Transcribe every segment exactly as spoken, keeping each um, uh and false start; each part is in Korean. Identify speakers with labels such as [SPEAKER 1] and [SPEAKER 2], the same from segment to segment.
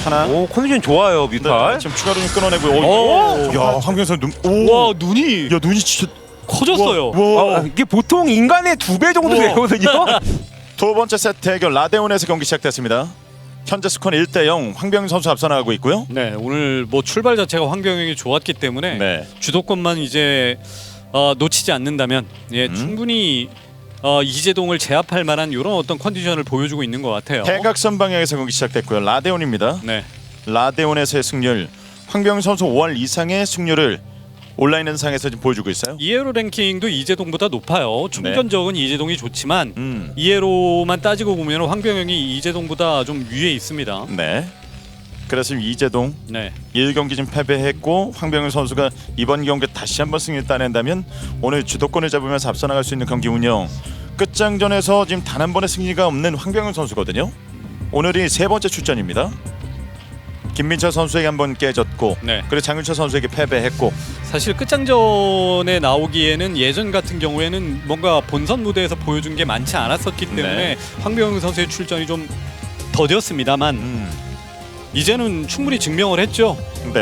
[SPEAKER 1] 하나.
[SPEAKER 2] 오 컨디션 좋아요 뮤탈.
[SPEAKER 1] 네, 지금 추가로 좀 끊어내고.
[SPEAKER 3] 오.
[SPEAKER 1] 오, 야 황병선 눈. 오.
[SPEAKER 3] 와 눈이
[SPEAKER 1] 야 눈이 진짜
[SPEAKER 3] 커졌어요.
[SPEAKER 1] 와, 와.
[SPEAKER 2] 아, 이게 보통 인간의 두 배 정도
[SPEAKER 1] 우와.
[SPEAKER 2] 되거든요.
[SPEAKER 1] 두 번째 세트 대결 라데온에서 경기 시작됐습니다. 현재 스코어는 일 대 영 황병현 선수 앞서 나가고 있고요.
[SPEAKER 3] 네 오늘 뭐 출발 자체가 황병영이 좋았기 때문에
[SPEAKER 1] 네.
[SPEAKER 3] 주도권만 이제 어, 놓치지 않는다면 예
[SPEAKER 1] 음.
[SPEAKER 3] 충분히 어, 이재동을 제압할 만한 이런 어떤 컨디션을 보여주고 있는 것 같아요.
[SPEAKER 1] 대각선 방향에서 경기 시작됐고요. 라데온입니다.
[SPEAKER 3] 네.
[SPEAKER 1] 라데온에서의 승률 황병현 선수 오할 이상의 승률을 온라인 상에서 지금 보여주고 있어요.
[SPEAKER 3] 이에로 랭킹도 이재동보다 높아요. 충전적은 이재동이 좋지만
[SPEAKER 1] 음.
[SPEAKER 3] 이에로만 따지고 보면 황병영이 이재동보다 좀 위에 있습니다.
[SPEAKER 1] 네. 그래서 지금 이재동
[SPEAKER 3] 네.
[SPEAKER 1] 일 경기 좀 패배했고 황병현 선수가 이번 경기 다시 한번 승리를 따낸다면 오늘 주도권을 잡으면서 앞서 나갈 수 있는 경기 운영. 끝장전에서 지금 단 한 번의 승리가 없는 황병현 선수거든요. 오늘이 세 번째 출전입니다. 김민철 선수에게 한 번 깨졌고
[SPEAKER 3] 네.
[SPEAKER 1] 그리고 장윤철 선수에게 패배했고.
[SPEAKER 3] 사실 끝장전에 나오기에는 예전 같은 경우에는 뭔가 본선 무대에서 보여준 게 많지 않았었기 때문에
[SPEAKER 1] 네.
[SPEAKER 3] 황병영 선수의 출전이 좀 더뎠습니다만
[SPEAKER 1] 음.
[SPEAKER 3] 이제는 충분히 증명을 했죠.
[SPEAKER 1] 네.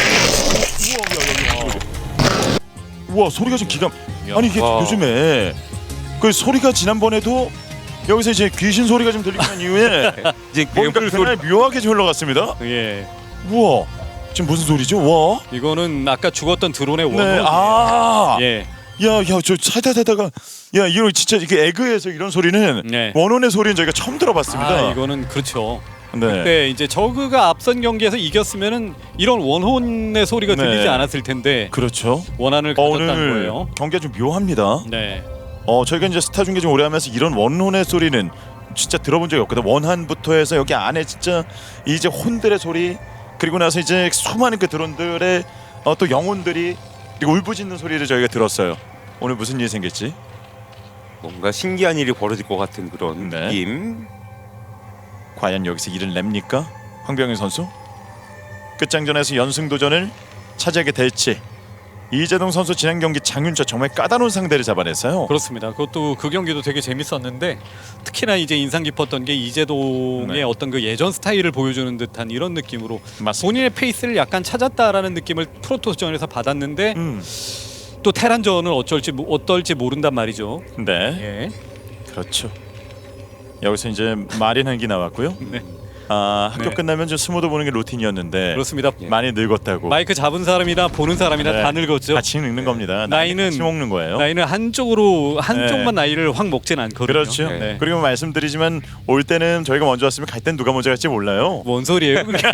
[SPEAKER 1] 우와 소리가 좀 기가. 아니 이게
[SPEAKER 2] 와.
[SPEAKER 1] 요즘에 그 소리가 지난번에도 여기서 이제 귀신 소리가 좀 들리는 이후에
[SPEAKER 2] 이제
[SPEAKER 1] 뭔가
[SPEAKER 2] 괴물 소리.
[SPEAKER 1] 그날 묘하게 좀 흘러갔습니다.
[SPEAKER 3] 예.
[SPEAKER 1] 우와 지금 무슨 소리죠? 와.
[SPEAKER 3] 이거는 아까 죽었던 드론의 원호.
[SPEAKER 1] 네. 아.
[SPEAKER 3] 예.
[SPEAKER 1] 야야 저 살다 살다가 야 이거 진짜 이게 에그에서 이런 소리는
[SPEAKER 3] 네.
[SPEAKER 1] 원혼의 소리는 저희가 처음 들어봤습니다.
[SPEAKER 3] 아 이거는 그렇죠.
[SPEAKER 1] 네.
[SPEAKER 3] 네, 이제 저그가 앞선 경기에서 이겼으면은 이런 원혼의 소리가
[SPEAKER 1] 네.
[SPEAKER 3] 들리지 않았을 텐데
[SPEAKER 1] 그렇죠.
[SPEAKER 3] 원한을
[SPEAKER 1] 어,
[SPEAKER 3] 가졌다는
[SPEAKER 1] 오늘
[SPEAKER 3] 거예요.
[SPEAKER 1] 경기가 좀 묘합니다.
[SPEAKER 3] 네.
[SPEAKER 1] 어 저희가 이제 스타 중계 좀 오래 하면서 이런 원혼의 소리는 진짜 들어본 적이 없거든. 원한부터 해서 여기 안에 진짜 이제 혼들의 소리 그리고 나서 이제 수많은 그 드론들의 어, 또 영혼들이 그리고 울부짖는 소리를 저희가 들었어요. 오늘 무슨 일이 생길지.
[SPEAKER 2] 뭔가 신기한 일이 벌어질 것 같은 그런
[SPEAKER 1] 네.
[SPEAKER 2] 느낌.
[SPEAKER 1] 과연 여기서 일을 냅니까? 황병현 선수 끝장전에서 연승 도전을 차지하게 될지. 이재동 선수 지난 경기 장윤철 정말 까다로운 상대를 잡아냈어요.
[SPEAKER 3] 그렇습니다. 그것도 그 경기도 되게 재밌었는데 특히나 이제 인상 깊었던 게 이재동의
[SPEAKER 1] 네.
[SPEAKER 3] 어떤 그 예전 스타일을 보여주는 듯한 이런 느낌으로
[SPEAKER 1] 맞습니다.
[SPEAKER 3] 본인의 페이스를 약간 찾았다라는 느낌을 프로토스전에서 받았는데
[SPEAKER 1] 음.
[SPEAKER 3] 또 테란전은 어쩔지 모- 어떨지 모른단 말이죠.
[SPEAKER 1] 네,
[SPEAKER 3] 예.
[SPEAKER 1] 그렇죠. 여기서 이제 마린 한기 나왔고요.
[SPEAKER 3] 네.
[SPEAKER 1] 아 학교
[SPEAKER 3] 네.
[SPEAKER 1] 끝나면 좀 스모드 보는 게 루틴이었는데
[SPEAKER 3] 그렇습니다.
[SPEAKER 1] 많이 늙었다고.
[SPEAKER 3] 마이크 잡은 사람이나 보는 사람이나
[SPEAKER 1] 네.
[SPEAKER 3] 다 늙었죠.
[SPEAKER 1] 같이 늙는 겁니다.
[SPEAKER 3] 나이는
[SPEAKER 1] 같이 먹는 거예요.
[SPEAKER 3] 나이는 한쪽으로 한쪽만
[SPEAKER 1] 네.
[SPEAKER 3] 나이를 확 먹진 않거든요.
[SPEAKER 1] 그렇죠.
[SPEAKER 3] 네.
[SPEAKER 1] 그리고 말씀드리지만 올 때는 저희가 먼저 왔으면 갈 땐 누가 먼저 갈지 몰라요.
[SPEAKER 3] 뭔 소리예요? 그게?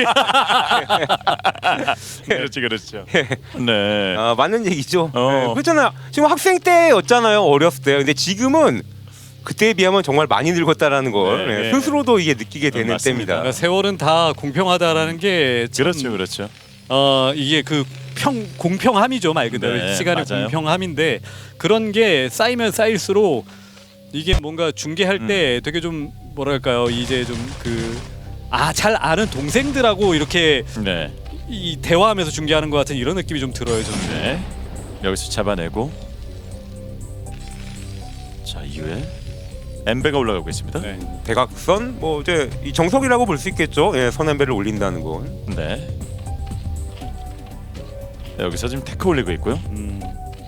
[SPEAKER 1] 그렇지, 그렇죠. 네.
[SPEAKER 2] 아 맞는 얘기죠.
[SPEAKER 1] 어.
[SPEAKER 2] 네, 그렇잖아요. 지금 학생 때였잖아요. 어렸을 때. 근데 지금은 그때에 비하면 정말 많이 늙었다라는 걸
[SPEAKER 1] 네,
[SPEAKER 2] 네,
[SPEAKER 1] 네.
[SPEAKER 2] 스스로도 이게 느끼게 되는
[SPEAKER 1] 맞습니다.
[SPEAKER 2] 때입니다.
[SPEAKER 3] 그러니까 세월은 다 공평하다라는 게 참,
[SPEAKER 1] 그렇죠, 그렇죠.
[SPEAKER 3] 어 이게 그 평 공평함이죠 말 그대로
[SPEAKER 1] 네,
[SPEAKER 3] 시간의
[SPEAKER 1] 맞아요.
[SPEAKER 3] 공평함인데 그런 게 쌓이면 쌓일수록 이게 뭔가 중계할
[SPEAKER 1] 음.
[SPEAKER 3] 때 되게 좀 뭐랄까요 이제 좀 그 아 잘 아는 동생들하고 이렇게
[SPEAKER 1] 네.
[SPEAKER 3] 이 대화하면서 중계하는 것 같은 이런 느낌이 좀 들어요 저는.
[SPEAKER 1] 네. 여기서 잡아내고 자 이후에 엠베가 올라가고 있습니다.
[SPEAKER 3] 네.
[SPEAKER 2] 대각선 뭐 이제 이 정석이라고 볼 수 있겠죠. 예, 선앤배를 올린다는 건.
[SPEAKER 1] 네. 여기서 지금 테크 올리고 있고요.
[SPEAKER 3] 음.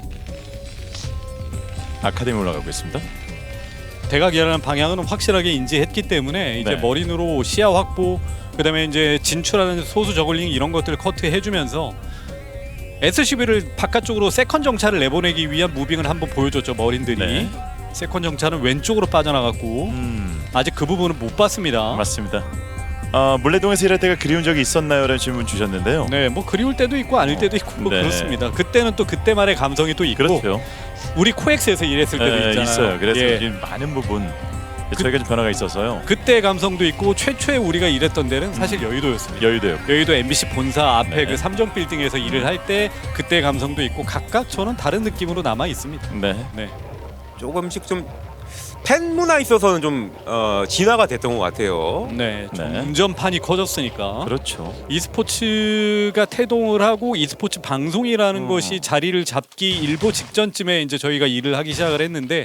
[SPEAKER 1] 아카데미 올라가고 있습니다.
[SPEAKER 3] 대각이라는 방향은 확실하게 인지했기 때문에 이제
[SPEAKER 1] 네.
[SPEAKER 3] 머린으로 시야 확보 그다음에 이제 진출하는 소수 저글링 이런 것들을 커트해주면서 에스씨비를 바깥쪽으로 세컨 정찰을 내보내기 위한 무빙을 한번 보여줬죠 머린들이.
[SPEAKER 1] 네.
[SPEAKER 3] 세컨 정찰은 왼쪽으로 빠져나갔고
[SPEAKER 1] 음,
[SPEAKER 3] 아직 그 부분은 못 봤습니다.
[SPEAKER 1] 맞습니다. 아 물레동에서 일할 때가 그리운 적이 있었나요? 라는 질문 주셨는데요.
[SPEAKER 3] 네, 뭐 그리울 때도 있고 아닐 때도 있고 뭐
[SPEAKER 1] 네.
[SPEAKER 3] 그렇습니다. 그때는 또 그때만의 감성이 또 있고
[SPEAKER 1] 그렇죠.
[SPEAKER 3] 우리 코엑스에서 일했을 때도
[SPEAKER 1] 네,
[SPEAKER 3] 있잖아요.
[SPEAKER 1] 있어요. 그래서
[SPEAKER 3] 예.
[SPEAKER 1] 지금 많은 부분 저희가 좀 변화가 있어서요.
[SPEAKER 3] 그때 감성도 있고 최초에 우리가 일했던 데는 사실 여의도였습니다.
[SPEAKER 1] 여유도요.
[SPEAKER 3] 여의도 엠비씨 본사 앞에
[SPEAKER 1] 네.
[SPEAKER 3] 그 삼정 빌딩에서 일을 할 때 그때 감성도 있고 각각 저는 다른 느낌으로 남아 있습니다.
[SPEAKER 1] 네.
[SPEAKER 3] 네.
[SPEAKER 2] 조금씩 좀 팬 문화 있어서는 좀 어, 진화가 됐던 것 같아요.
[SPEAKER 3] 네. 좀
[SPEAKER 1] 네.
[SPEAKER 3] 운전판이 커졌으니까.
[SPEAKER 1] 그렇죠.
[SPEAKER 3] e스포츠가 태동을 하고 e스포츠 방송이라는
[SPEAKER 1] 음.
[SPEAKER 3] 것이 자리를 잡기 일보 직전쯤에 이제 저희가 일을 하기 시작을 했는데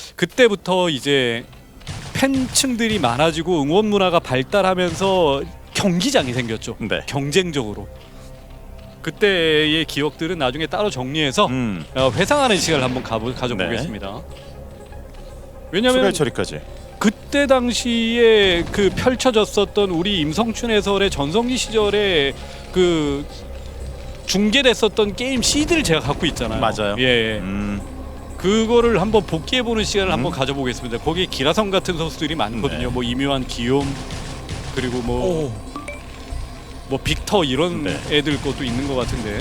[SPEAKER 3] 그때부터 이제 팬층들이 많아지고 응원 문화가 발달하면서 경기장이 생겼죠.
[SPEAKER 1] 네.
[SPEAKER 3] 경쟁적으로. 그때의 기억들은 나중에 따로 정리해서
[SPEAKER 1] 음.
[SPEAKER 3] 어, 회상하는 시간을 한번 가보, 가져보겠습니다.
[SPEAKER 1] 추가
[SPEAKER 3] 왜냐하면
[SPEAKER 1] 처리까지.
[SPEAKER 3] 그때 당시에 그 펼쳐졌었던 우리 임성춘 해설의 전성기 시절에 그 중계됐었던 게임 씨디를 제가 갖고 있잖아요.
[SPEAKER 1] 맞아요.
[SPEAKER 3] 예,
[SPEAKER 1] 음.
[SPEAKER 3] 그거를 한번 복귀해보는 시간을
[SPEAKER 1] 음.
[SPEAKER 3] 한번 가져보겠습니다. 거기에 기라성 같은 선수들이 많거든요.
[SPEAKER 1] 네.
[SPEAKER 3] 뭐 이묘한 기욤 그리고 뭐 뭐 빅터 이런
[SPEAKER 1] 네.
[SPEAKER 3] 애들 것도 있는 것 같은데.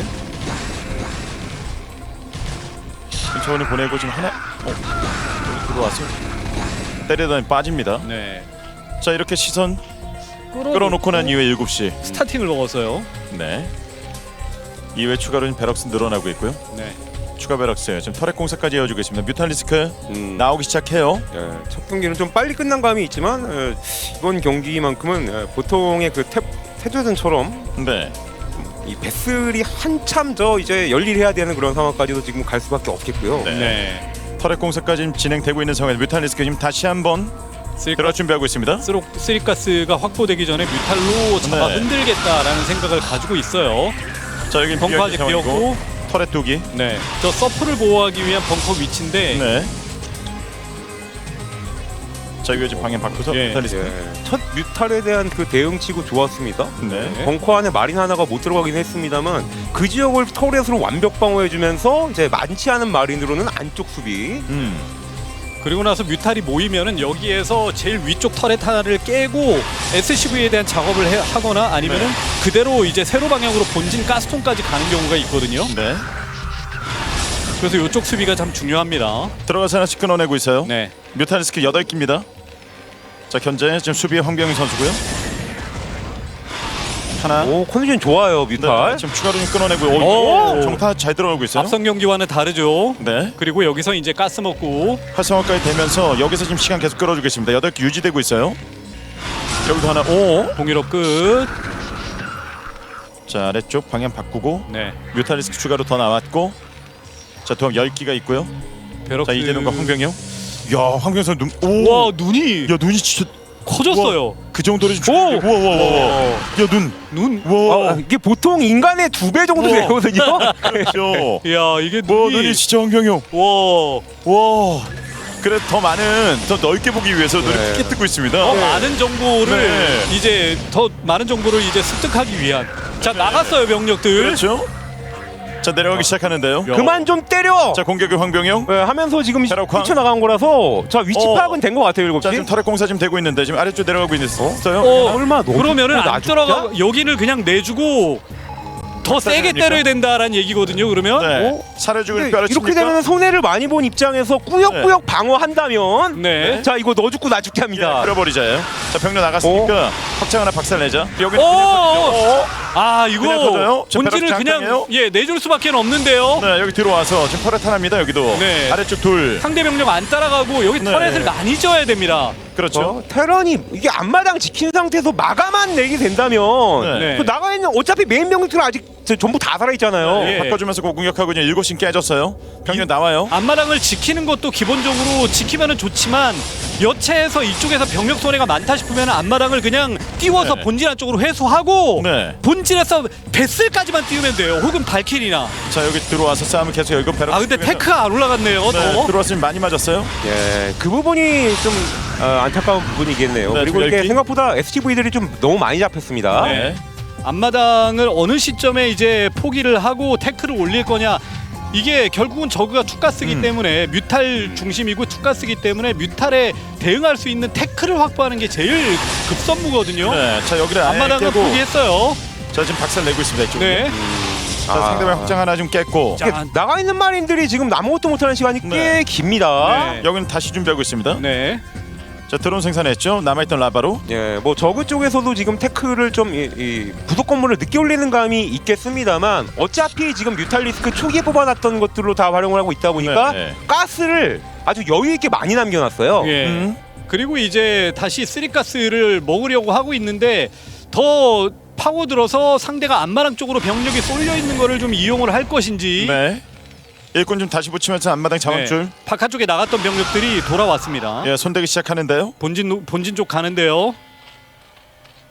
[SPEAKER 1] 신청원을 보내고 지금 하나 어, 여기 들어와서 때리더니 빠집니다.
[SPEAKER 3] 네.
[SPEAKER 1] 자 이렇게 시선
[SPEAKER 3] 끌어놓고
[SPEAKER 1] 끌어놓고 난 이후에 일곱 시.
[SPEAKER 3] 스타팅을 먹었어요.
[SPEAKER 1] 네. 이후에 추가로 베럭스 늘어나고 있고요.
[SPEAKER 3] 네.
[SPEAKER 1] 추가 베럭스 지금 터렛 공사까지 이어주고 있습니다. 뮤탈리스크
[SPEAKER 2] 음,
[SPEAKER 1] 나오기 시작해요.
[SPEAKER 2] 예, 첫 경기는 좀 빨리 끝난 감이 있지만 예, 이번 경기만큼은 예, 보통의 그 태, 태조전처럼
[SPEAKER 1] 네.
[SPEAKER 2] 이 배슬이 한참 더 이제 열일해야 되는 그런 상황까지도 지금 갈 수밖에 없겠고요.
[SPEAKER 1] 네.
[SPEAKER 3] 네.
[SPEAKER 1] 터렛 공사까지 지금 진행되고 있는 상황에서 뮤탈리스크 지금 다시 한번 들어갈 준비하고 있습니다.
[SPEAKER 3] 쓰록 쓰리가스가 확보되기 전에 뮤탈로 잡아
[SPEAKER 1] 네.
[SPEAKER 3] 흔들겠다라는 생각을 가지고 있어요.
[SPEAKER 1] 자 여기
[SPEAKER 3] 벙커 아직 비었고,
[SPEAKER 1] 터렛 두기.
[SPEAKER 3] 네, 저 서프를 보호하기 위한 벙커 위치인데,
[SPEAKER 1] 네. 자 이거 지금 방향 바꿔서
[SPEAKER 3] 예.
[SPEAKER 1] 뮤탈리스크.
[SPEAKER 2] 예, 첫 뮤탈에 대한 그 대응치고 좋았습니다.
[SPEAKER 1] 네.
[SPEAKER 3] 네.
[SPEAKER 2] 벙커 안에 마린 하나가 못 들어가긴 했습니다만 그 지역을 터렛으로 완벽 방어해주면서 이제 많지 않은 마린으로는 안쪽 수비.
[SPEAKER 1] 음.
[SPEAKER 3] 그리고 나서 뮤탈이 모이면은 여기에서 제일 위쪽 터렛 하나를 깨고 에스씨브이에 대한 작업을 해, 하거나 아니면은
[SPEAKER 1] 네.
[SPEAKER 3] 그대로 이제 세로 방향으로 본진 가스통까지 가는 경우가 있거든요.
[SPEAKER 1] 네.
[SPEAKER 3] 그래서 이쪽 수비가 참 중요합니다.
[SPEAKER 1] 들어가서 하나씩 끊어내고 있어요.
[SPEAKER 3] 네.
[SPEAKER 1] 뮤탈리스크 여덟 기입니다. 자 현재 지금 수비의 황병희 선수고요. 하나.
[SPEAKER 2] 오 컨디션 좋아요 뮤탈.
[SPEAKER 1] 네, 지금 추가로 좀 끊어내고
[SPEAKER 3] 오!
[SPEAKER 1] 오, 정타 잘 들어가고 있어요.
[SPEAKER 3] 앞선 경기와는 다르죠.
[SPEAKER 1] 네.
[SPEAKER 3] 그리고 여기서 이제 가스 먹고
[SPEAKER 1] 활성화까지 되면서 여기서 지금 시간 계속 끌어주겠습니다. 여덟 개 유지되고 있어요. 여기도 하나. 오.
[SPEAKER 3] 공일업 끝.
[SPEAKER 1] 자 아래쪽 방향 바꾸고
[SPEAKER 3] 네.
[SPEAKER 1] 뮤탈리스크 추가로 더 나왔고 자 도합 열 기가 있고요.
[SPEAKER 3] 베럭스.
[SPEAKER 1] 자 이재동과 황병영. 야 황병영 선수 눈. 오.
[SPEAKER 3] 와 눈이
[SPEAKER 1] 야 눈이 진짜
[SPEAKER 3] 커졌어요.
[SPEAKER 1] 그 정도로 좀.
[SPEAKER 3] 오!
[SPEAKER 1] 와와와와. 야 눈.
[SPEAKER 3] 눈.
[SPEAKER 1] 와.
[SPEAKER 2] 아, 이게 보통 인간의 두 배 정도
[SPEAKER 1] 우와.
[SPEAKER 2] 되거든요.
[SPEAKER 1] 그렇죠.
[SPEAKER 3] 야 이게
[SPEAKER 1] 와
[SPEAKER 3] 눈이.
[SPEAKER 1] 눈이 진짜 황병영.
[SPEAKER 3] 와.
[SPEAKER 1] 와. 그래 더 많은 더 넓게 보기 위해서 눈을
[SPEAKER 2] 네.
[SPEAKER 1] 크게 뜨고 있습니다.
[SPEAKER 3] 더 많은 정보를
[SPEAKER 1] 네.
[SPEAKER 3] 이제 더 많은 정보를 이제 습득하기 위한. 자 나갔어요 병력들.
[SPEAKER 1] 그렇죠. 자 내려가기 시작하는데요.
[SPEAKER 3] 야.
[SPEAKER 2] 그만 좀 때려.
[SPEAKER 1] 자 공격의 황병영.
[SPEAKER 2] 예, 하면서 지금
[SPEAKER 1] 베럭화.
[SPEAKER 2] 뛰쳐나간 거라서 자 위치
[SPEAKER 1] 어.
[SPEAKER 2] 파악은 된 것 같아요 일곱
[SPEAKER 1] 자
[SPEAKER 2] 시.
[SPEAKER 1] 지금 터렛 공사 지금 되고 있는데 지금 아래쪽 내려가고 있어요.
[SPEAKER 3] 어,
[SPEAKER 2] 얼마 넣어줄까?
[SPEAKER 3] 그러면은 안
[SPEAKER 2] 놔줄까?
[SPEAKER 3] 들어가 여기를 그냥 내주고 더 세게
[SPEAKER 1] 됩니까?
[SPEAKER 3] 때려야 된다라는 얘기거든요. 그러면
[SPEAKER 1] 네.
[SPEAKER 2] 어?
[SPEAKER 1] 살을 주고
[SPEAKER 2] 근데
[SPEAKER 1] 뼈를
[SPEAKER 2] 이렇게
[SPEAKER 1] 칩니까?
[SPEAKER 2] 되면 손해를 많이 본 입장에서 꾸역꾸역 방어한다면
[SPEAKER 3] 네.
[SPEAKER 2] 자 이거 너 죽고 나 죽게 합니다.
[SPEAKER 1] 예, 끌어버리자요. 자 병력 나갔으니까 확장 하나 박살내자. 여기
[SPEAKER 3] 오!
[SPEAKER 1] 어?
[SPEAKER 3] 아
[SPEAKER 1] 그냥 터져요?
[SPEAKER 3] 이거
[SPEAKER 1] 저
[SPEAKER 3] 본질을
[SPEAKER 1] 베럭
[SPEAKER 3] 그냥
[SPEAKER 1] 장땡이에요?
[SPEAKER 3] 예 내줄 수밖에 없는데요.
[SPEAKER 1] 네 여기 들어와서 지금 터렛 하나입니다. 여기도
[SPEAKER 3] 네.
[SPEAKER 1] 아래쪽 둘.
[SPEAKER 3] 상대 병력 안 따라가고 여기
[SPEAKER 1] 네.
[SPEAKER 3] 터렛을 많이 져야 됩니다.
[SPEAKER 1] 그렇죠.
[SPEAKER 2] 어? 테란이 이게 앞마당 지킨 상태에서 마감만 내게 된다면
[SPEAKER 1] 네.
[SPEAKER 2] 그 나가 있는 어차피 메인 병력들은 아직 저- 전부 다 살아 있잖아요.
[SPEAKER 3] 네.
[SPEAKER 1] 바꿔주면서 공격하고 그냥 일곱 신 깨졌어요. 병력 나와요.
[SPEAKER 3] 앞마당을 지키는 것도 기본적으로 지키면은 좋지만 여체에서 이쪽에서 병력 손해가 많다 싶으면 앞마당을 그냥 띄워서
[SPEAKER 1] 네.
[SPEAKER 3] 본진 안쪽으로 회수하고
[SPEAKER 1] 네.
[SPEAKER 3] 본진에서 베슬까지만 띄우면 돼요. 혹은 발키리나.
[SPEAKER 1] 자 여기 들어와서 싸움을 계속 열고 베럭.
[SPEAKER 3] 아 근데 테크가 안 올라갔네요.
[SPEAKER 1] 네,
[SPEAKER 3] 더.
[SPEAKER 1] 들어왔으면 많이 맞았어요.
[SPEAKER 2] 예, 그 부분이 좀 어, 안타까운 부분이겠네요.
[SPEAKER 1] 네,
[SPEAKER 2] 그리고
[SPEAKER 1] 좀
[SPEAKER 2] 이게
[SPEAKER 1] 얇게.
[SPEAKER 2] 생각보다 에스티브이들이 좀 너무 많이 잡혔습니다.
[SPEAKER 3] 네. 앞마당을 어느 시점에 이제 포기를 하고 태클을 올릴 거냐. 이게 결국은 저그가 투가스기
[SPEAKER 1] 음.
[SPEAKER 3] 때문에 뮤탈 중심이고 투가스기 때문에 뮤탈에 대응할 수 있는 태클을 확보하는 게 제일 급선무거든요.
[SPEAKER 1] 네. 자 여기를 아예
[SPEAKER 3] 앞마당은
[SPEAKER 1] 깨고.
[SPEAKER 3] 포기했어요.
[SPEAKER 1] 자 지금 박살 내고 있습니다. 이쪽.
[SPEAKER 3] 네.
[SPEAKER 1] 자
[SPEAKER 2] 아.
[SPEAKER 1] 상대방 확장 하나 좀 깼고.
[SPEAKER 3] 자,
[SPEAKER 2] 이게 나가 있는 마린들이 지금 아무것도 못하는 시간이 꽤
[SPEAKER 1] 네.
[SPEAKER 2] 깁니다.
[SPEAKER 3] 네.
[SPEAKER 1] 여기는 다시 준비하고 있습니다.
[SPEAKER 3] 네.
[SPEAKER 1] 자 드론 생산했죠. 남아있던 라바로.
[SPEAKER 2] 예, 뭐 저그 쪽에서도 지금 태클을 좀 이, 이 부속 건물을 늦게 올리는 감이 있겠습니다만 어차피 지금 뮤탈리스크 초기에 뽑아놨던 것들로 다 활용을 하고 있다 보니까
[SPEAKER 1] 네, 네.
[SPEAKER 2] 가스를 아주 여유 있게 많이 남겨놨어요.
[SPEAKER 3] 예.
[SPEAKER 1] 음.
[SPEAKER 3] 그리고 이제 다시 쓰리가스를 먹으려고 하고 있는데 더 파고들어서 상대가 안마랑 쪽으로 병력이 쏠려 있는 거를 좀 이용을 할 것인지.
[SPEAKER 1] 네. 일꾼 좀 다시 붙이면서 앞마당 자원줄.
[SPEAKER 3] 네. 바깥쪽에 나갔던 병력들이 돌아왔습니다.
[SPEAKER 1] 예, 손대기 시작하는데요.
[SPEAKER 3] 본진 본진 쪽 가는데요.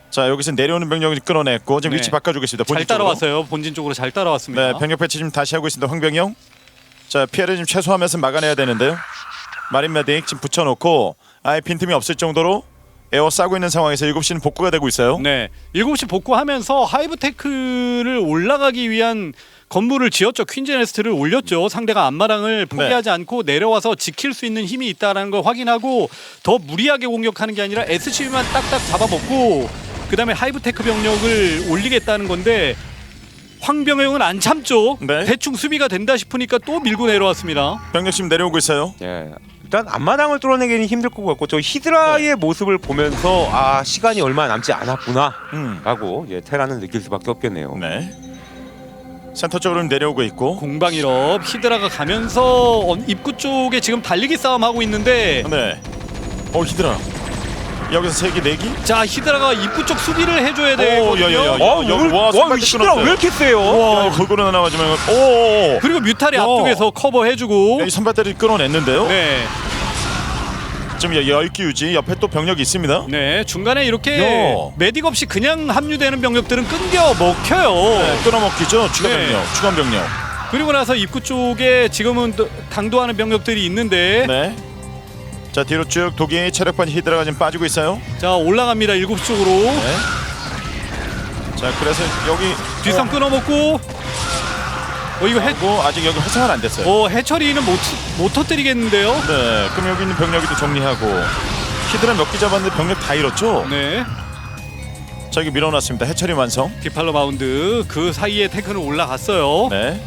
[SPEAKER 1] 자 여기서 내려오는 병력을 끌어냈고 지금
[SPEAKER 3] 네.
[SPEAKER 1] 위치 바꿔주겠습니다.
[SPEAKER 3] 잘
[SPEAKER 1] 본진 쪽으로.
[SPEAKER 3] 따라왔어요. 본진 쪽으로 잘 따라왔습니다.
[SPEAKER 1] 네, 병력 배치 지금 다시 하고 있습니다. 황병영. 자 피해를 좀 최소화하면서 막아내야 되는데요. 마린 메딕 지금 붙여놓고 아예 빈틈이 없을 정도로 에어 싸고 있는 상황에서 일곱 시는 복구가 되고 있어요.
[SPEAKER 3] 네, 일곱 시 복구하면서 하이브테크를 올라가기 위한 건물을 지었죠. 퀸즈네스트를 올렸죠. 상대가 앞마당을 포기하지
[SPEAKER 1] 네.
[SPEAKER 3] 않고 내려와서 지킬 수 있는 힘이 있다는 걸 확인하고 더 무리하게 공격하는 게 아니라 에스씨비만 딱딱 잡아먹고 그 다음에 하이브테크 병력을 올리겠다는 건데 황병영은 안 참죠.
[SPEAKER 1] 네.
[SPEAKER 3] 대충 수비가 된다 싶으니까 또 밀고 내려왔습니다.
[SPEAKER 1] 병력 지금 내려오고 있어요.
[SPEAKER 2] 예. 일단 앞마당을 뚫어내기는 힘들 것 같고 저 히드라의
[SPEAKER 1] 네.
[SPEAKER 2] 모습을 보면서 아 시간이 얼마 남지 않았구나
[SPEAKER 1] 음.
[SPEAKER 2] 라고 예, 테라는 느낄 수밖에 없겠네요.
[SPEAKER 1] 네. 센터 쪽으로 내려오고 있고.
[SPEAKER 3] 공방일업 히드라가 가면서 어, 입구 쪽에 지금 달리기 싸움 하고 있는데
[SPEAKER 1] 네. 어 히드라. 여기서 세 기, 네 기.
[SPEAKER 3] 자 히드라가 입구 쪽 수비를 해줘야
[SPEAKER 1] 오,
[SPEAKER 3] 되거든요.
[SPEAKER 1] 야, 야, 야.
[SPEAKER 2] 어,
[SPEAKER 1] 야,
[SPEAKER 2] 오늘
[SPEAKER 1] 와,
[SPEAKER 2] 와,
[SPEAKER 1] 선발대
[SPEAKER 2] 히드라
[SPEAKER 1] 끊었어요.
[SPEAKER 2] 왜 이렇게 세요?
[SPEAKER 1] 와 골고루 나와지만 오.
[SPEAKER 3] 그리고 뮤탈이
[SPEAKER 1] 야.
[SPEAKER 3] 앞쪽에서 커버해주고
[SPEAKER 1] 이 선발대를 끌어냈는데요.
[SPEAKER 3] 네,
[SPEAKER 1] 지금 열 기 유지 옆에 또 병력이 있습니다.
[SPEAKER 3] 네 중간에 이렇게
[SPEAKER 1] 야.
[SPEAKER 3] 메딕 없이 그냥 합류되는 병력들은 끊겨 먹혀요.
[SPEAKER 1] 네, 끊어먹기죠. 추가
[SPEAKER 3] 네.
[SPEAKER 1] 병력, 추가 병력.
[SPEAKER 3] 그리고 나서 입구 쪽에 지금은 또 강도하는 병력들이 있는데
[SPEAKER 1] 네. 자 뒤로 쭉 독이 체력반 히드라가 지금 빠지고 있어요.
[SPEAKER 3] 자 올라갑니다. 일곱 시 쪽으로
[SPEAKER 1] 네. 자 그래서 여기
[SPEAKER 3] 뒷선 끊어먹고 어 이거 해,
[SPEAKER 1] 뭐 아직 여기 활성화는 안 됐어요.
[SPEAKER 3] 어 해처리는 못, 못 터뜨리겠는데요.
[SPEAKER 1] 네. 그럼 여기 있는 병력이도 정리하고 히드라 몇 기 잡았는데 병력 다 잃었죠.
[SPEAKER 3] 네
[SPEAKER 1] 자 여기 밀어놨습니다. 해처리 완성.
[SPEAKER 3] 디팔로 마운드 그 사이에 테크는 올라갔어요.
[SPEAKER 1] 네.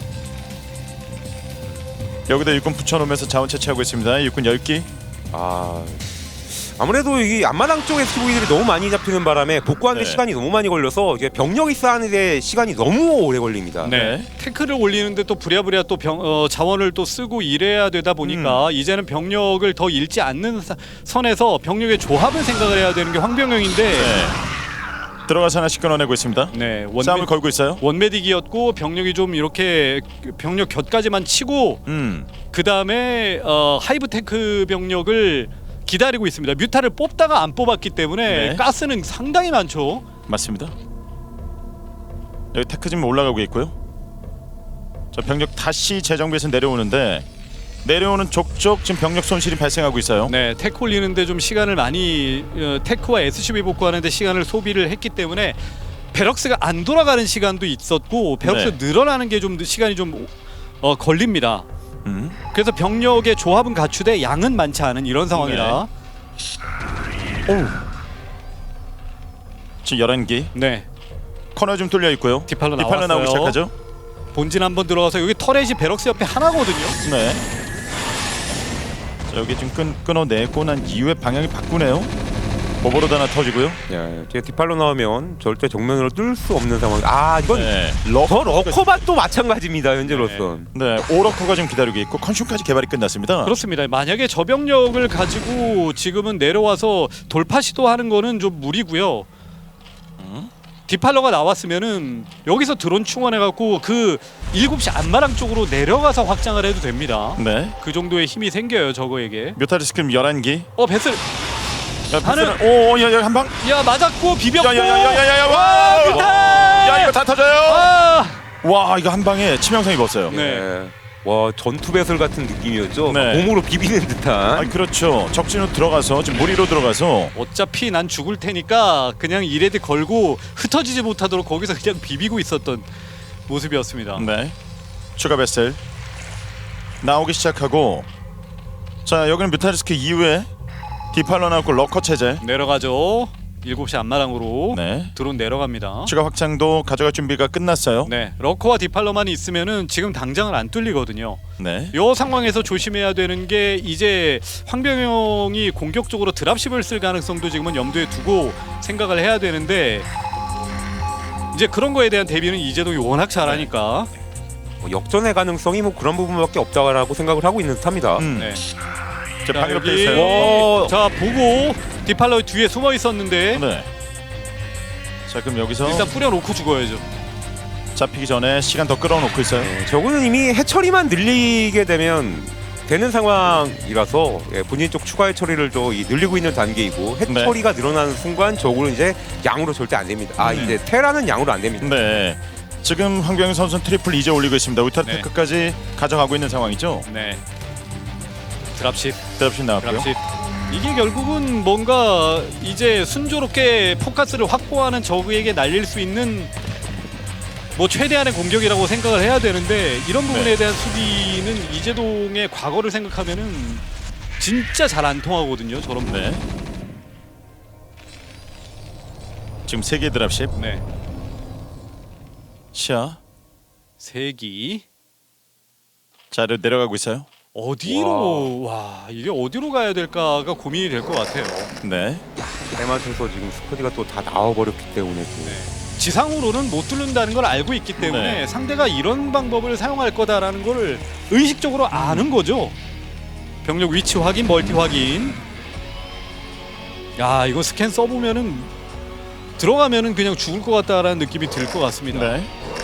[SPEAKER 1] 여기다 육군 붙여놓으면서 자원 채취하고 있습니다. 육군 열 기.
[SPEAKER 2] 아 아무래도 이 앞마당 쪽에 스티브이들이 너무 많이 잡히는 바람에 복구하는 데
[SPEAKER 1] 네.
[SPEAKER 2] 시간이 너무 많이 걸려서 이제 병력이 쌓는데 시간이 너무 오래 걸립니다.
[SPEAKER 3] 네.
[SPEAKER 1] 네.
[SPEAKER 3] 태클을 올리는데 또 부랴부랴 또 병, 어, 자원을 또 쓰고 이래야 되다 보니까 이제는 병력을 더 잃지 않는 사, 선에서 병력의 조합을 생각을 해야 되는 게 황병영인데
[SPEAKER 1] 네. 들어가서 하나씩 끊어내고 있습니다.
[SPEAKER 3] 네,
[SPEAKER 1] 싸움을
[SPEAKER 3] 원메,
[SPEAKER 1] 걸고 있어요.
[SPEAKER 3] 원메딕이었고 병력이 좀 이렇게 병력 곁까지만 치고
[SPEAKER 1] 음.
[SPEAKER 3] 그 다음에 어, 하이브테크 병력을 기다리고 있습니다. 뮤타를 뽑다가 안 뽑았기 때문에
[SPEAKER 1] 네.
[SPEAKER 3] 가스는 상당히 많죠.
[SPEAKER 1] 맞습니다. 여기 테크 지금 올라가고 있고요. 자 병력 다시 재정비해서 내려오는데 내려오는 족족 지금 병력 손실이 발생하고 있어요.
[SPEAKER 3] 네, 테크 올리는데 좀 시간을 많이 어, 테크와 에스씨비 복구하는데 시간을 소비를 했기 때문에 베럭스가 안 돌아가는 시간도 있었고 베럭스
[SPEAKER 1] 네.
[SPEAKER 3] 늘어나는 게 좀 시간이 좀 어, 걸립니다.
[SPEAKER 1] 음.
[SPEAKER 3] 그래서 병력의 조합은 갖추되 양은 많지 않은 이런 상황이라
[SPEAKER 1] 오. 지금 열한 기.
[SPEAKER 3] 네,
[SPEAKER 1] 코너 좀 뚫려 있고요.
[SPEAKER 3] 디팔로
[SPEAKER 1] 디팔로 나오기
[SPEAKER 3] 나왔어요.
[SPEAKER 1] 시작하죠.
[SPEAKER 3] 본진 한번 들어가서 여기 터렛이 베럭스 옆에 하나거든요.
[SPEAKER 1] 네. 자, 여기 좀 끊, 끊어내고 난 이후에 방향이 바꾸네요. 오버로드 하나 터지고요.
[SPEAKER 2] 예, 이제 디팔로 나오면 절대 정면으로 뚫을 수 없는 상황. 아 이건
[SPEAKER 1] 네.
[SPEAKER 2] 저 러커밭도 마찬가지입니다 현재로선.
[SPEAKER 1] 네. 오러커가 지금 기다리고 있고 컨슘까지 개발이 끝났습니다.
[SPEAKER 3] 그렇습니다. 만약에 저 병력을 가지고 지금은 내려와서 돌파 시도하는 거는 좀 무리고요. 디팔러가 나왔으면은 여기서 드론 충원해갖고 그 일곱 시 안마랑 쪽으로 내려가서 확장을 해도 됩니다.
[SPEAKER 1] 네.
[SPEAKER 3] 그 정도의 힘이 생겨요 저거에게.
[SPEAKER 1] 뮤타리스크림 열한 기.
[SPEAKER 3] 어 배슬
[SPEAKER 1] 야,
[SPEAKER 3] 하늘-
[SPEAKER 1] 배스는- 오, 야, 야, 한 방.
[SPEAKER 3] 야 맞았고 비볐고.
[SPEAKER 1] 야야야야야야.
[SPEAKER 3] 와,
[SPEAKER 1] 와!
[SPEAKER 3] 뮤탈!
[SPEAKER 1] 야, 이거 다 터져요.
[SPEAKER 3] 아!
[SPEAKER 1] 와, 이거 한 방에 치명상 입었어요.
[SPEAKER 3] 네.
[SPEAKER 2] 예. 와 전투 배설 같은 느낌이었죠.
[SPEAKER 1] 네.
[SPEAKER 2] 막 몸으로 비비는 듯한.
[SPEAKER 1] 아, 그렇죠. 적진으로 들어가서 지금 무리로 들어가서
[SPEAKER 3] 어차피 난 죽을 테니까 그냥 이레드 걸고 흩어지지 못하도록 거기서 그냥 비비고 있었던 모습이었습니다.
[SPEAKER 1] 네. 추가 베슬 나오기 시작하고 자, 여기는 뮤타리스크 이후에 디팔로 나왔고 러커 체제.
[SPEAKER 3] 내려가죠. 일곱 시 안마랑으로
[SPEAKER 1] 네.
[SPEAKER 3] 드론 내려갑니다.
[SPEAKER 1] 추가 확장도 가져갈 준비가 끝났어요.
[SPEAKER 3] 네, 러커와 디팔러만 있으면은 지금 당장은 안 뚫리거든요.
[SPEAKER 1] 네.
[SPEAKER 3] 이 상황에서 조심해야 되는 게 이제 황병영이 공격적으로 드랍십을 쓸 가능성도 지금은 염두에 두고 생각을 해야 되는데 이제 그런 거에 대한 대비는 이재동이 워낙 잘하니까.
[SPEAKER 2] 뭐 역전의 가능성이 뭐 그런 부분밖에 없다라고 생각을 하고 있는 듯합니다.
[SPEAKER 1] 음.
[SPEAKER 3] 네.
[SPEAKER 1] 자,
[SPEAKER 3] 자,
[SPEAKER 1] 방금 돼
[SPEAKER 3] 여기
[SPEAKER 1] 있어요.
[SPEAKER 3] 자 보고 디팔러 뒤에 숨어 있었는데
[SPEAKER 1] 네. 자, 그럼 여기서
[SPEAKER 3] 일단 뿌려놓고 죽어야죠.
[SPEAKER 1] 잡히기 전에 시간 더 끌어놓고 있어요.
[SPEAKER 2] 네, 저거는 이미 해처리만 늘리게 되면 되는 상황이라서 예, 본인 쪽 추가 해처리를 또 이, 늘리고 있는 단계이고 해처리가 네. 늘어나는 순간 저거는 이제 양으로 절대 안 됩니다. 아
[SPEAKER 1] 네.
[SPEAKER 2] 이제 테라는 양으로 안 됩니다.
[SPEAKER 1] 네. 지금 황병현 선수는 트리플 이제 올리고 있습니다. 울트라
[SPEAKER 3] 네.
[SPEAKER 1] 테크까지 가져가고 있는 상황이죠.
[SPEAKER 3] 네. 드랍십,
[SPEAKER 1] 드랍십 나왔고요.
[SPEAKER 3] 드랍십. 이게 결국은 뭔가 이제 순조롭게 포커스를 확보하는 적에게 날릴 수 있는 뭐 최대한의 공격이라고 생각을 해야 되는데 이런 부분에
[SPEAKER 1] 네.
[SPEAKER 3] 대한 수비는 이재동의 과거를 생각하면은 진짜 잘 안 통하거든요. 저런 부분.
[SPEAKER 1] 네. 지금 세 개 드랍십.
[SPEAKER 3] 네.
[SPEAKER 1] 시야.
[SPEAKER 3] 세기
[SPEAKER 1] 자, 내려가고 있어요.
[SPEAKER 3] 어디로 와. 이게 어디로 가야 될까가 고민이 될 것 같아요.
[SPEAKER 1] 네.
[SPEAKER 2] 때맞춰서 지금 스쿼디가 또 다 나와버렸기 때문에 또.
[SPEAKER 3] 네. 지상으로는 못 뚫는다는 걸 알고 있기 때문에
[SPEAKER 1] 네.
[SPEAKER 3] 상대가 이런 방법을 사용할 거다라는 걸 의식적으로 아는 거죠. 병력 위치 확인, 멀티 확인. 야, 이거 스캔 써보면은 들어가면은 그냥 죽을 것 같다라는 느낌이 들 것 같습니다.
[SPEAKER 1] 네.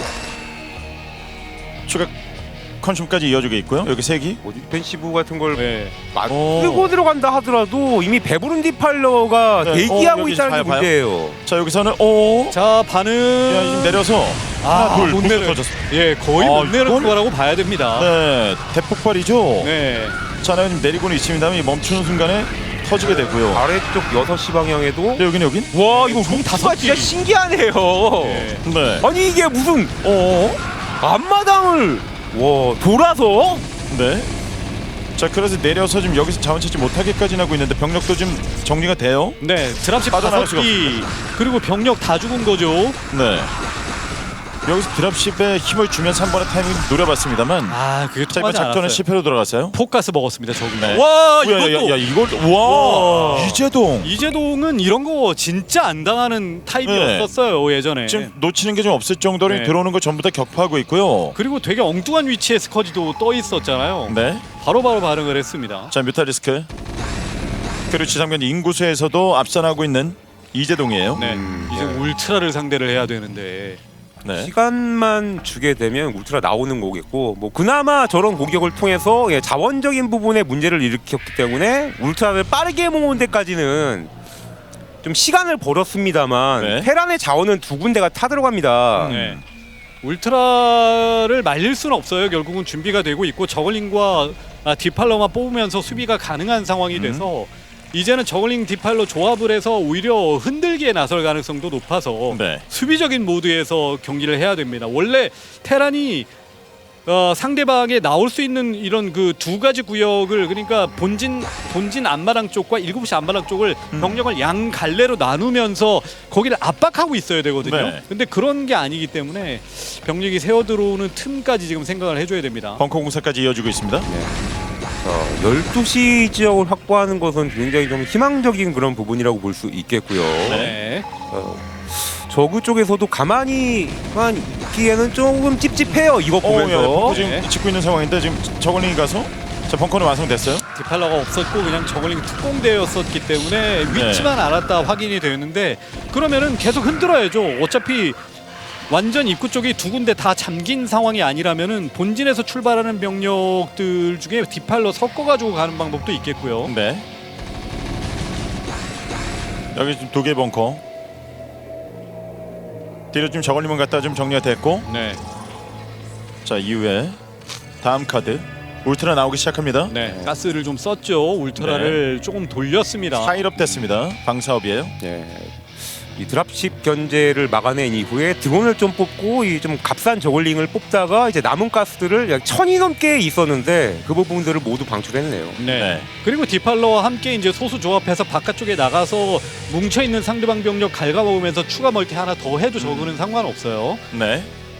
[SPEAKER 1] 추가 컨슘까지 이어주고 있고요. 여기 세기.
[SPEAKER 2] 뭐 디펜시브 같은 걸
[SPEAKER 3] 네.
[SPEAKER 2] 막
[SPEAKER 1] 오.
[SPEAKER 2] 쓰고 들어간다 하더라도 이미 배부른 디팔러가
[SPEAKER 1] 네.
[SPEAKER 2] 대기하고
[SPEAKER 1] 어, 여기
[SPEAKER 2] 있다는
[SPEAKER 1] 봐요,
[SPEAKER 2] 게
[SPEAKER 1] 봐요.
[SPEAKER 2] 문제예요.
[SPEAKER 1] 자, 여기서는 오.
[SPEAKER 3] 자, 반응.
[SPEAKER 1] 야, 지금 내려서
[SPEAKER 3] 아,
[SPEAKER 1] 하나, 둘,
[SPEAKER 3] 못
[SPEAKER 1] 못
[SPEAKER 3] 내려.
[SPEAKER 1] 터졌어.
[SPEAKER 3] 예, 거의
[SPEAKER 1] 아,
[SPEAKER 3] 못 내릴
[SPEAKER 1] 이건-
[SPEAKER 3] 거라고 봐야 됩니다.
[SPEAKER 1] 네, 대폭발이죠.
[SPEAKER 3] 네.
[SPEAKER 1] 자, 지금 내리고는 있습니다만 이 멈추는 순간에 터지게 되고요.
[SPEAKER 2] 아래쪽 여섯 시 방향에도
[SPEAKER 1] 네, 여긴 여긴.
[SPEAKER 2] 와 이거
[SPEAKER 3] 총 다섯
[SPEAKER 2] 루트가 진짜
[SPEAKER 3] 기.
[SPEAKER 2] 신기하네요.
[SPEAKER 3] 네.
[SPEAKER 1] 네.
[SPEAKER 2] 아니 이게 무슨
[SPEAKER 1] 어.
[SPEAKER 2] 앞마당을 와 돌아서
[SPEAKER 1] 네. 자, 그래서 내려서 지금 여기서 자원 채취 못하게까지 하고 있는데 병력도 지금 정리가 돼요.
[SPEAKER 3] 네, 드랍십
[SPEAKER 1] 빠져나갈
[SPEAKER 3] 다섯 기 그리고 병력 다 죽은 거죠.
[SPEAKER 1] 네. 여기서 드랍십에 힘을 주면서 한 번의 타이밍 노려봤습니다만
[SPEAKER 3] 아, 그게
[SPEAKER 1] 자, 이번
[SPEAKER 3] 통하지
[SPEAKER 1] 작전은
[SPEAKER 3] 않았어요.
[SPEAKER 1] 실패로 들어갔어요.
[SPEAKER 3] 포가스 먹었습니다, 저기.
[SPEAKER 1] 네.
[SPEAKER 3] 와,
[SPEAKER 1] 야, 야,
[SPEAKER 3] 이것도
[SPEAKER 1] 야, 야, 이걸 와,
[SPEAKER 3] 와.
[SPEAKER 1] 이재동
[SPEAKER 3] 이재동은 이런 거 진짜 안 당하는 타입이었었어요, 예전에.
[SPEAKER 1] 지금 놓치는 게 좀 없을 정도로
[SPEAKER 3] 네.
[SPEAKER 1] 들어오는 거 전부 다 격파하고 있고요.
[SPEAKER 3] 그리고 되게 엉뚱한 위치에 스커지도 떠 있었잖아요.
[SPEAKER 1] 네.
[SPEAKER 3] 바로바로 반응을 했습니다.
[SPEAKER 1] 자, 뮤탈리스크. 그리고 지상면 인구수에서도 앞선하고 있는 이재동이에요.
[SPEAKER 3] 네,
[SPEAKER 2] 음,
[SPEAKER 3] 이제
[SPEAKER 2] 네.
[SPEAKER 3] 울트라를 상대를 해야 되는데.
[SPEAKER 1] 네.
[SPEAKER 2] 시간만 주게 되면 울트라 나오는 거겠고 뭐 그나마 저런 공격을 통해서 예, 자원적인 부분에 문제를 일으켰기 때문에 울트라를 빠르게 모은 데까지는 좀 시간을 벌었습니다만
[SPEAKER 1] 네.
[SPEAKER 2] 테란의 자원은 두 군데가 타 들어갑니다.
[SPEAKER 3] 네. 울트라를 말릴 수는 없어요. 결국은 준비가 되고 있고 저글링과 아, 디팔러만 뽑으면서 수비가 가능한 상황이 돼서 이제는 저글링 디팔러 조합을 해서 오히려 흔들기에 나설 가능성도 높아서
[SPEAKER 1] 네.
[SPEAKER 3] 수비적인 모드에서 경기를 해야 됩니다. 원래 테란이 어, 상대방에 나올 수 있는 이런 그 두 가지 구역을 그러니까 본진 본진 앞마당 쪽과 일곱 시 앞마당 쪽을
[SPEAKER 1] 음.
[SPEAKER 3] 병력을 양 갈래로 나누면서 거기를 압박하고 있어야 되거든요.
[SPEAKER 1] 네.
[SPEAKER 3] 근데 그런 게 아니기 때문에 병력이 새어 들어오는 틈까지 지금 생각을 해줘야 됩니다.
[SPEAKER 1] 벙커 공사까지 이어지고 있습니다.
[SPEAKER 2] 어, 열두 시 지역을 확보하는 것은 굉장히 좀 희망적인 그런 부분이라고 볼 수 있겠고요.
[SPEAKER 3] 네.
[SPEAKER 2] 어, 저그 쪽에서도 가만히만 있기에는 조금 찝찝해요. 이거
[SPEAKER 1] 어,
[SPEAKER 2] 보면서.
[SPEAKER 1] 예, 벙커 지금
[SPEAKER 3] 네.
[SPEAKER 1] 짓고 있는 상황인데 지금 저글링이 가서 자, 벙커는 완성됐어요.
[SPEAKER 3] 디팔러가 없었고 그냥 저글링 특공대였었기 때문에
[SPEAKER 1] 네.
[SPEAKER 3] 위치만 알았다 확인이 되었는데 그러면은 계속 흔들어야죠. 어차피 완전 입구 쪽이 두 군데 다 잠긴 상황이 아니라면은 본진에서 출발하는 병력들 중에 디팔러 섞어가지고 가는 방법도 있겠고요.
[SPEAKER 1] 네. 여기 지금 두 개 벙커. 뒤로 좀 저글링만 갖다 좀 정리가 됐고,
[SPEAKER 3] 네,
[SPEAKER 1] 자 이후에 다음 카드 울트라 나오기 시작합니다.
[SPEAKER 3] 네, 가스를 좀 썼죠. 울트라를 조금 돌렸습니다.
[SPEAKER 1] 파일업 됐습니다. 방사업이에요.
[SPEAKER 2] 네. 이 드랍십 견제를 막아낸 이후에 드론을 좀 뽑고 이 좀 값싼 저글링을 뽑다가 이제 남은 가스들을 약 천이 넘게 있었는데 그 부분들을 모두 방출했네요.
[SPEAKER 3] 네.
[SPEAKER 1] 네.
[SPEAKER 3] 그리고 디팔러와 함께 이제 소수 조합해서 바깥쪽에 나가서 뭉쳐 있는 상대방 병력 갉아먹으면서 추가 멀티 하나 더 해도 적으는 상관없어요.
[SPEAKER 1] 네.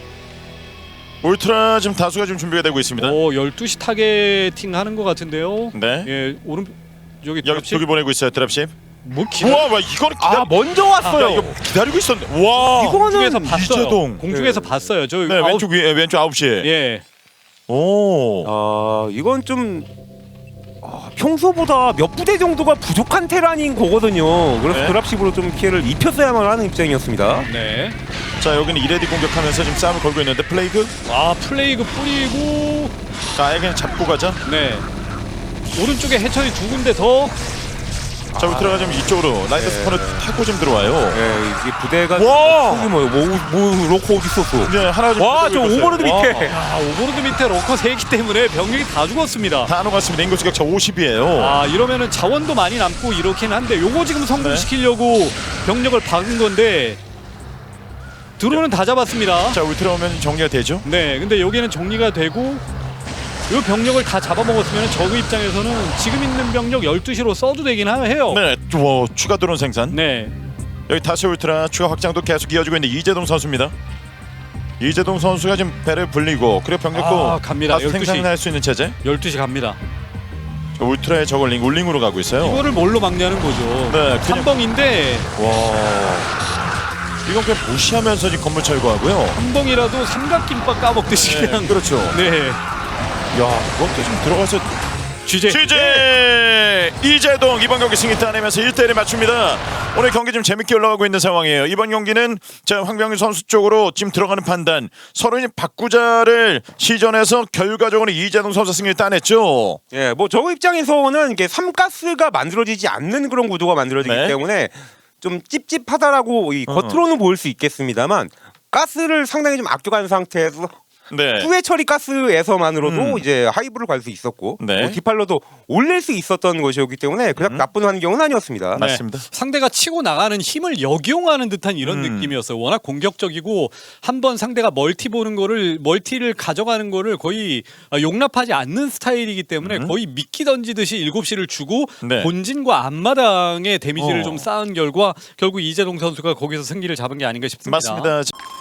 [SPEAKER 1] 울트라 지금 다수가 지금 준비가 되고 있습니다.
[SPEAKER 3] 오, 열두 시 타겟팅 하는 것 같은데요.
[SPEAKER 1] 네.
[SPEAKER 3] 예, 오른 여기
[SPEAKER 1] 여기
[SPEAKER 3] 드랍십
[SPEAKER 1] 두개 보내고 있어요. 드랍십.
[SPEAKER 3] 뭐 기다
[SPEAKER 1] 우와, 와 이거는 기다.
[SPEAKER 2] 아 먼저 왔어요.
[SPEAKER 1] 야, 이거 기다리고 있었는데. 와.
[SPEAKER 3] 공중에서 봤어요.
[SPEAKER 1] 이재동.
[SPEAKER 3] 공중에서
[SPEAKER 2] 네.
[SPEAKER 3] 봤어요. 저
[SPEAKER 1] 네,
[SPEAKER 3] 아홉-
[SPEAKER 1] 왼쪽 위에 왼쪽 아홉 시.
[SPEAKER 3] 예.
[SPEAKER 1] 오.
[SPEAKER 2] 아 이건 좀 아, 평소보다 몇 부대 정도가 부족한 테란인 거거든요. 그래서
[SPEAKER 1] 네.
[SPEAKER 2] 드랍십으로 좀 피해를 입혔어야만 하는 입장이었습니다.
[SPEAKER 3] 네.
[SPEAKER 1] 자, 여기는 이레디 공격하면서 지금 싸움을 걸고 있는데 플레이그.
[SPEAKER 3] 아, 플레이그 뿌리고
[SPEAKER 1] 자, 아예 그냥 잡고 가자.
[SPEAKER 3] 네. 오른쪽에 해처리 두 군데 더.
[SPEAKER 1] 자 울트라가 좀 이쪽으로 라이트
[SPEAKER 2] 네.
[SPEAKER 1] 스폰을 타고 좀 들어와요.
[SPEAKER 2] 예, 이게 부대가
[SPEAKER 1] 와!
[SPEAKER 2] 속이 뭐예요? 뭐, 뭐 로코 어디 있었어?
[SPEAKER 1] 네 하나 좀
[SPEAKER 2] 와, 저
[SPEAKER 1] 들고 있었어요.
[SPEAKER 2] 오버로드
[SPEAKER 1] 와.
[SPEAKER 2] 밑에.
[SPEAKER 3] 야, 오버로드 밑에 러커 세기 때문에 병력이 다 죽었습니다.
[SPEAKER 1] 다 녹았습니다. 인구수 격차 오십이에요.
[SPEAKER 3] 아 이러면은 자원도 많이 남고 이렇긴 한데 요거 지금 성공시키려고 병력을 박은 건데 드론은 다 잡았습니다.
[SPEAKER 1] 자 울트라 오면 정리가 되죠.
[SPEAKER 3] 네, 근데 여기는 정리가 되고 요 병력을 다 잡아먹었으면 저그 입장에서는 지금 있는 병력 열두 시로 써도 되긴 하- 해요.
[SPEAKER 1] 네, 와, 추가 드론 생산.
[SPEAKER 3] 네.
[SPEAKER 1] 여기 다시 울트라 추가 확장도 계속 이어지고 있는 이재동 선수입니다. 이재동 선수가 지금 배를 불리고 그리고 병력도
[SPEAKER 3] 아, 갑니다.
[SPEAKER 1] 다시
[SPEAKER 3] 열두 시.
[SPEAKER 1] 생산할 수 있는 체제.
[SPEAKER 3] 열두 시 갑니다.
[SPEAKER 1] 울트라의 저걸링 울링으로 가고 있어요.
[SPEAKER 3] 이거를 뭘로 막냐는 거죠.
[SPEAKER 1] 네, 그냥-
[SPEAKER 3] 한벙인데
[SPEAKER 1] 와, 이건 그냥 무시하면서 지금 건물 철거하고요.
[SPEAKER 3] 한벙이라도 삼각김밥 까먹듯이
[SPEAKER 1] 네,
[SPEAKER 3] 그냥.
[SPEAKER 1] 그렇죠.
[SPEAKER 3] 네.
[SPEAKER 1] 야, 그것도 좀 들어가서
[SPEAKER 3] 쥐제.
[SPEAKER 1] 취재 이재동 이번 경기 승리 따내면서 일 대 일에 맞춥니다. 오늘 경기 좀 재밌게 올라가고 있는 상황이에요. 이번 경기는 자 황병희 선수 쪽으로 지금 들어가는 판단 서로 이제 바꾸자를 시전해서 결과적으로 이재동 선수 승리를 따냈죠.
[SPEAKER 2] 예, 뭐 저 입장에서는 이게 삼가스가 만들어지지 않는 그런 구도가 만들어지기
[SPEAKER 1] 네.
[SPEAKER 2] 때문에 좀 찝찝하다라고 이 겉으로는 보일 수 있겠습니다만 가스를 상당히 좀 아껴간 상태에서
[SPEAKER 1] 네.
[SPEAKER 2] 후회 처리 가스에서만으로도
[SPEAKER 1] 음.
[SPEAKER 2] 이제 하이브를 갈 수 있었고
[SPEAKER 1] 네.
[SPEAKER 2] 뭐 디팔로도 올릴 수 있었던 것이었기 때문에 그닥
[SPEAKER 1] 음.
[SPEAKER 2] 나쁜 환경은 아니었습니다.
[SPEAKER 3] 네.
[SPEAKER 1] 맞습니다.
[SPEAKER 3] 상대가 치고 나가는 힘을 역용하는 듯한 이런
[SPEAKER 1] 음.
[SPEAKER 3] 느낌이었어요. 워낙 공격적이고 한번 상대가 멀티 보는 거를 멀티를 가져가는 거를 거의 용납하지 않는 스타일이기 때문에
[SPEAKER 1] 음.
[SPEAKER 3] 거의 미끼 던지듯이 일곱 시를 주고
[SPEAKER 1] 네.
[SPEAKER 3] 본진과 앞마당의 데미지를
[SPEAKER 1] 어.
[SPEAKER 3] 좀 쌓은 결과 결국 이재동 선수가 거기서 승기를 잡은 게 아닌가 싶습니다.
[SPEAKER 1] 맞습니다.